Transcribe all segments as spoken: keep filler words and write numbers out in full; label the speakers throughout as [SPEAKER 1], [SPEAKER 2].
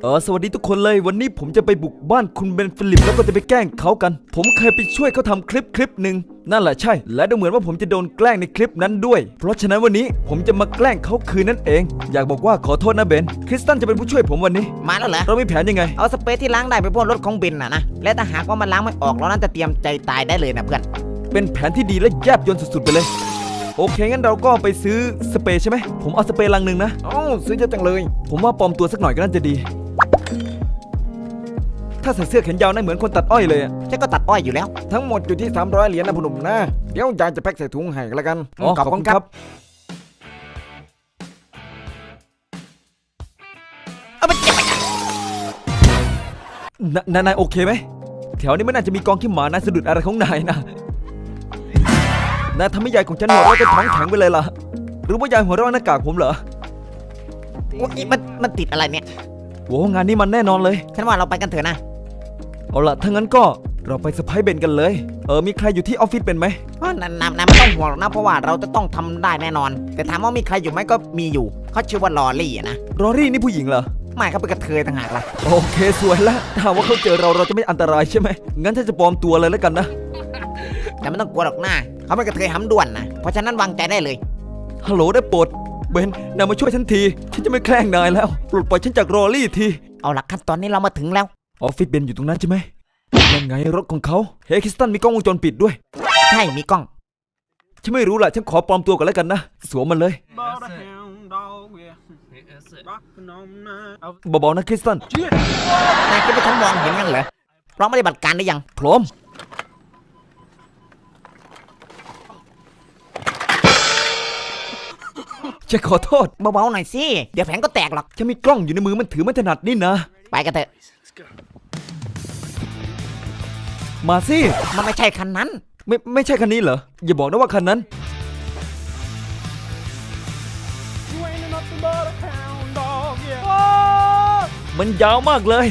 [SPEAKER 1] เออสวัสดีทุกคนเลยวันนี้ผมจะไปบุกบ้านคุณเบนฟิลิปแล้วก็จะไปแกล้งเขากันผมเคยไปช่วยเขาทำคลิปคลิปหนึ่งนั่นแหละใช่และดูเหมือนว่าผมจะโดนแกล้งในคลิปนั้นด้วยเพราะฉะนั้นวันนี้ผมจะมาแกล้งเขาคืนนั่นเองอยากบอกว่าขอโทษนะเบนคริสตันจะเป็นผู้ช่วยผมวันนี้
[SPEAKER 2] มาแล้วเหรอ
[SPEAKER 1] เรามีแผนยังไง
[SPEAKER 2] เอาสเปรย์ที่ล้างได้ไปพ่นรถของเบนน่ะนะและถ้าหากว่ามันล้างไม่ออกเราน่าจะเตรียมใจตายได้เลยนะเพื่อน
[SPEAKER 1] เป็นแผนที่ดีและแยบยลสุดๆไปเลยโอเคงั้นเราก็ไปซื้อสเปรย์ใช่ไหมผมเอาสเปรย์ลังหนึ่งนะ
[SPEAKER 2] อ๋อซื้อเยอะจังเลย
[SPEAKER 1] ผมว่าปลอมตัวสักหน่อยก็น่าจะดีถ้าใส่เสื้อแขนยาวน่าเหมือนคนตัดอ้อยเลยอ่ะ
[SPEAKER 2] ฉันก็ตัดอ้อยอยู่แล้ว
[SPEAKER 3] ทั้งหมดอยู่ที่สามร้อยเหรียญนะพ่อหนุ่มนะเดี๋ยวยายจะแพ็คใส่ถุงให้กันแล้วกัน
[SPEAKER 1] อ๋อขอบคุณครับ
[SPEAKER 2] เอาไปเก็บไป
[SPEAKER 1] นายนายโอเคไหมแถวนี้ไม่น่าจะมีกองขี้หมานายสะดุดอะไรของนายนะนายทำให้ยายของฉันหัวเราะจนท้องแข็งไปเลยล่ะหรือว่ายายหัวเราะหน้ากากผมเหรอ
[SPEAKER 2] มันมันติดอะไรเนี่ย
[SPEAKER 1] โว้งานนี้มันแน่นอนเลย
[SPEAKER 2] ฉันว่าเราไปกันเถอะนะ
[SPEAKER 1] เอาล่ะถ้างั้นก็เราไปเซอร์ไพรส์เบนกันเลยเออมีใครอยู่ที่ออฟฟิศเป็นไหม
[SPEAKER 2] ว่านายนายไม่ต้องห่วงหรอกนะเพราะว่าเราจะต้องทำได้แน่นอนแต่ถามว่ามีใครอยู่ไหมก็มีอยู่เขาชื่อว่าลอรี่นะ
[SPEAKER 1] ลอรี่นี่ผู้หญิงเหรอ
[SPEAKER 2] ไม่เขาเป็นกระเทยต่างหากล่ะ
[SPEAKER 1] โอเคสวยแล้วถ้าว่าเขาเจอเราเราจะไม่อันตรายใช่ไหมงั้นถ้าจะปลอมตัวเลยแล้วกันนะ
[SPEAKER 2] แต่ไม่ต้องกลัวหรอกหน้าเขาเป็นกระเทยห้ำด่วนนะเพราะฉะนั้นวางใจได้เลย
[SPEAKER 1] ฮัลโหลได้โปรดเบนนายมาช่วยฉันทีฉันจะไม่แกล้งนายแล้วปลดปล่อยฉันจากลอรี่ที
[SPEAKER 2] เอาล่ะขั้นตอนนี้เรามาถึงแล้ว
[SPEAKER 1] ออฟฟิศเบนอยู่ตรงนั้นใช่ไหมยังไงรถของเขาเฮ้คริสตันมีกล้องวงจรปิดด้วย
[SPEAKER 2] ใช่มีกล้อง
[SPEAKER 1] ฉันไม่รู้แหละฉันขอปลอมตัวก่อนแล้วกันนะสวมมันเลยเบาๆนะคริสตัน
[SPEAKER 2] นายคิดว่าฉันมองเห็นยังเหรอพร้อมปฏิบัติการได้ยัง
[SPEAKER 1] พร้อมฉันขอโทษ
[SPEAKER 2] เบาๆหน่อยสิเดี๋ยวแผงก็แตกหรอก
[SPEAKER 1] ฉันมีกล้องอยู่ในมือมันถือไม่ถนัดนี่นะ
[SPEAKER 2] ไปกันเถอะ
[SPEAKER 1] มาสิ
[SPEAKER 2] มันไม่ใช่คันนั้น
[SPEAKER 1] ไม่ไม่ใช่คันนี้เหรออย่าบอกนะว่าคันนั้นมันยาวมากเลย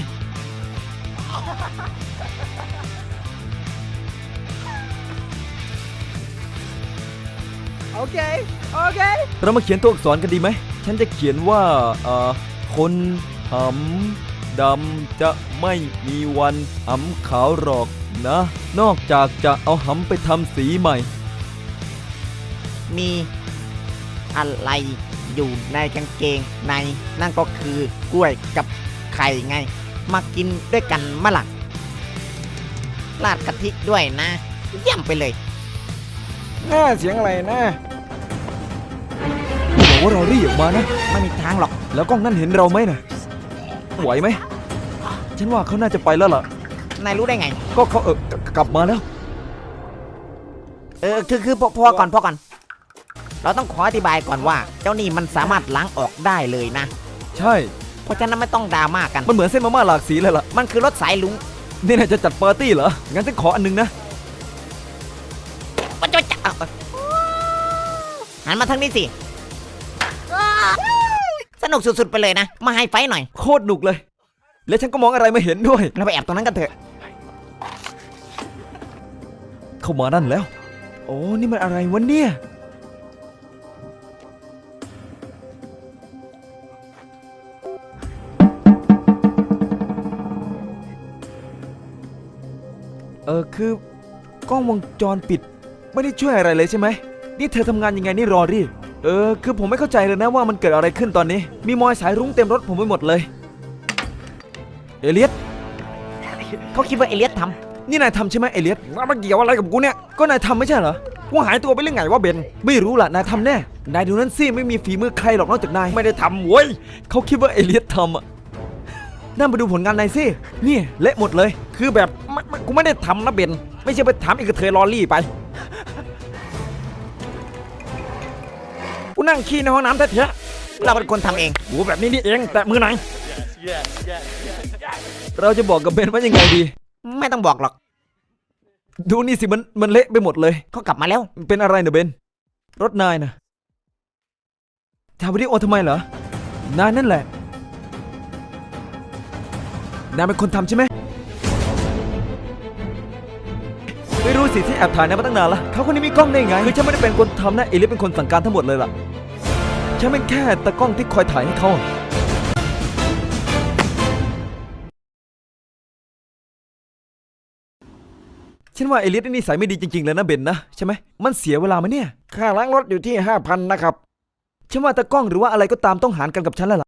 [SPEAKER 2] โอเคโอเค
[SPEAKER 1] เรามาเขียนตัวอักษรกันดีไหมฉันจะเขียนว่าเอ่อคนหำดำจะไม่มีวันหำขาวหรอกนะนอกจากจะเอาหำไปทำสีใหม่
[SPEAKER 2] มีอะไรอยู่ในกางเกงในนั่นก็คือกล้วยกับไข่ไงมากินด้วยกันมะล่ะราดกะทิด้วยนะเยี่ยมไปเลย
[SPEAKER 3] น่าเสียงอะไรนะ
[SPEAKER 1] บอกว่าเรารีบออกมานะ
[SPEAKER 2] ไม่มีทางหรอก
[SPEAKER 1] แล้วกล้องนั่นเห็นเราไหมนะไหวไหมฉันว่าเขาน่าจะไปแล้วล่ะ
[SPEAKER 2] นายรู้ได้ไง
[SPEAKER 1] ก็เขาเออกลับมาแล้ว
[SPEAKER 2] เออคือคือพอก่อนพอก่อนเราต้องขออธิบายก่อนว่าเจ้านี่มันสามารถล้างออกได้เลยนะ
[SPEAKER 1] ใช่
[SPEAKER 2] เพราะฉะนั้นไม่ต้องดราม่ากัน
[SPEAKER 1] มันเหมือนเส้นมาม่าหลากสีเลยล่ะ
[SPEAKER 2] มันคือรถสายลุง
[SPEAKER 1] นี่นายจะจัดปาร์ตี้เหรองั้นฉันขออันนึงนะ
[SPEAKER 2] มันจะจับหันมาทางนี้สิสนุกสุดๆไปเลยนะมาไฮไฟหน่อย
[SPEAKER 1] โคตรหนุกเลยและฉันก็มองอะไรไม่เห็นด้วย
[SPEAKER 2] เราไปแอบตรงนั้นกันเถอะ
[SPEAKER 1] เข้ามานั่นแล้วโอ้นี่มันอะไรวะเนี่ยเออคือกล้องวงจรปิดไม่ได้ช่วยอะไรเลยใช่ไหมนี่เธอทำงานยังไงนี่รอรี่เออคือผมไม่เข้าใจเลยนะว่ามันเกิดอะไรขึ้นตอนนี้มีมอยสายรุ้งเต็มรถผมไปหมดเลยเอเลียส
[SPEAKER 2] เขาคิดว่าเอเลียสท
[SPEAKER 1] ำนี่นายทำใช่ไหมเอเลียส
[SPEAKER 3] ว่ามันเกี่ยวอะไรกับกูเนี่ย
[SPEAKER 1] ก็นายทำไม่ใช่เหรอ
[SPEAKER 3] กูหายตัวไปเรื่องไงวะเบน
[SPEAKER 1] ไม่รู้ล่ะนายทำแน่นายดูนั่นสิไม่มีฝีมือใครหรอกนอกจากนาย
[SPEAKER 3] ไม่ได้ทำเว้ย
[SPEAKER 1] เขาคิดว่าเอเลียสทำอ่ะนั่นไปดูผลงานนายสินี่เละหมดเลย
[SPEAKER 3] คือแบบกูไม่ได้ทำนะเบนไม่ใช่ไปถามอีกกระเทยลอรี่ไปกูนั่งขี้ในห้องน้ำแท้
[SPEAKER 2] ๆเราเป็นคนทำเอง
[SPEAKER 3] โอ้แบบนี้นี่เองแต่มือไหน
[SPEAKER 1] เราจะบอกกับเบนว่ายังไงดี
[SPEAKER 2] ไม่ต้องบอกหรอก
[SPEAKER 1] ดูนี่สิมันมันเละไปหมดเลย
[SPEAKER 2] เขากลับมาแล้ว
[SPEAKER 1] เป็นอะไรเนอะเบนรถนายนะถ่ายวิดีโอทำไมเหรอนายนั่นแหละนายเป็นคนทำใช่ไหมไม่รู้สิที่แอบถ่ายนายมาตั้งนานละเขาคนนี้มีกล้องได้ไงคือฉันไม่ได้เป็นคนทำนะเอลิสเป็นคนสั่งการทั้งหมดเลยล่ะฉันเป็นแค่ตากล้องที่คอยถ่ายให้เขาฉันว่าเอเลียสนี่นิสัยไม่ดีจริงๆเลยนะเบนนะใช่ไหมมันเสียเวลาไหมเนี่ย
[SPEAKER 3] ค่าล้างรถอยู่ที่ห้าพันนะครับ
[SPEAKER 1] ฉันว่าตากล้องหรือว่าอะไรก็ตามต้องหารกันกับฉันแล้วล่ะ